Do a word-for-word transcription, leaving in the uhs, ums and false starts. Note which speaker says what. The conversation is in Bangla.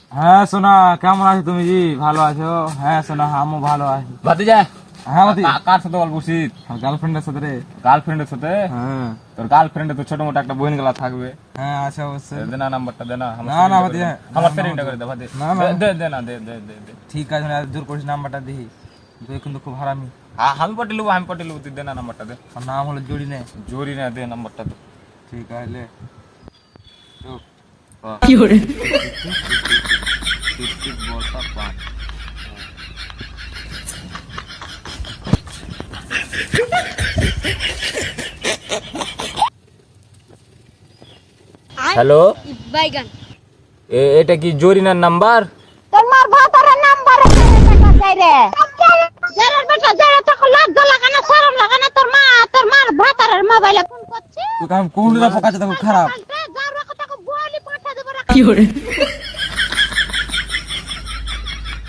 Speaker 1: হ্যাঁ সোনা, কেমন আছো তুমি? জি ভালো আছো? হ্যাঁ সোনা, আমিও ভালো আছি।
Speaker 2: ভাতিজা,
Speaker 1: হ্যাঁ ভাতি,
Speaker 2: কার সাথে গল্প করছিস?
Speaker 1: গার্লফ্রেন্ডের সাথে রে।
Speaker 2: গার্লফ্রেন্ডের সাথে?
Speaker 1: হ্যাঁ
Speaker 2: তোর গার্লফ্রেন্ডে তো ছোট মোটো একটা বোন গেলা থাকবে।
Speaker 1: হ্যাঁ আছে অবশ্যই।
Speaker 2: দে না নাম্বারটা, দে না।
Speaker 1: না, না, ভাতিজা,
Speaker 2: আমার
Speaker 1: না,
Speaker 2: সেটিংটা
Speaker 1: না,
Speaker 2: করে দে ভাতি।
Speaker 1: না, না।
Speaker 2: দে দে না, দে দে দে দে।
Speaker 1: ঠিক আছে, আমি আজ জোর করিস, নাম্বারটা দিই। তুই কিন্তু খুব হারামি।
Speaker 2: হ্যাঁ, আমি পটে লুবো, আমি পটে লুবো, তুই দে না নাম্বারটা দে।
Speaker 1: আর নাম হলো জড়ি নে।
Speaker 2: জোরি না, দে নাম্বারটা দে।
Speaker 1: ঠিক আছে লে।
Speaker 3: কি hore
Speaker 2: টিপ টিপ বলটা পাঁচ। হ্যালো,
Speaker 4: বাইগান
Speaker 2: এটা কি জরিনার নাম্বার?
Speaker 4: তোমার ভাতারের নাম্বারে টাকা চাই রে যারা বেটা যারা তো লজ্জা লাগে না, শরম লাগে না? তোর মা তোর মার ভাতারের মোবাইলে ফোন করছে।
Speaker 1: তুই কাম কোনটা পোকাচ্ছে, দেখো খারাপ।
Speaker 4: যার কথা বলি পাঠা দেব রে।
Speaker 3: কি hore